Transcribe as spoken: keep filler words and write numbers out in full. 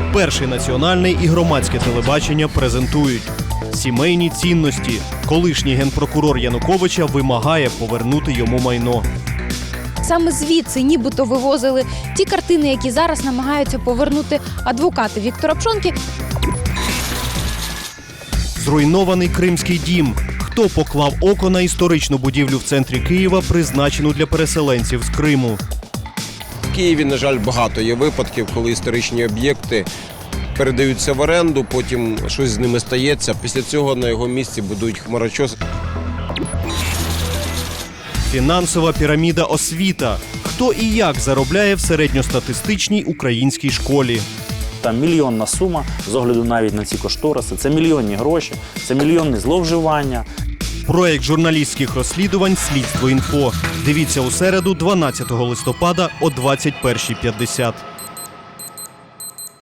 Перший національний і громадське телебачення презентують сімейні цінності. Колишній генпрокурор Януковича вимагає повернути йому майно. Саме звідси нібито вивозили ті картини, які зараз намагаються повернути адвокати Віктора Пшонки. Зруйнований Кримський дім. Хто поклав око на історичну будівлю в центрі Києва, призначену для переселенців з Криму? В Києві, на жаль, багато є випадків, коли історичні об'єкти передаються в оренду, потім щось з ними стається. Після цього на його місці будують хмарочос. Фінансова піраміда освіта. Хто і як заробляє в середньостатистичній українській школі? Там мільйонна сума, з огляду навіть на ці кошториси. Це мільйонні гроші, це мільйонні зловживання. Проєкт журналістських розслідувань «Слідство інфо». Дивіться у середу, дванадцятого листопада о двадцять першій п'ятдесят.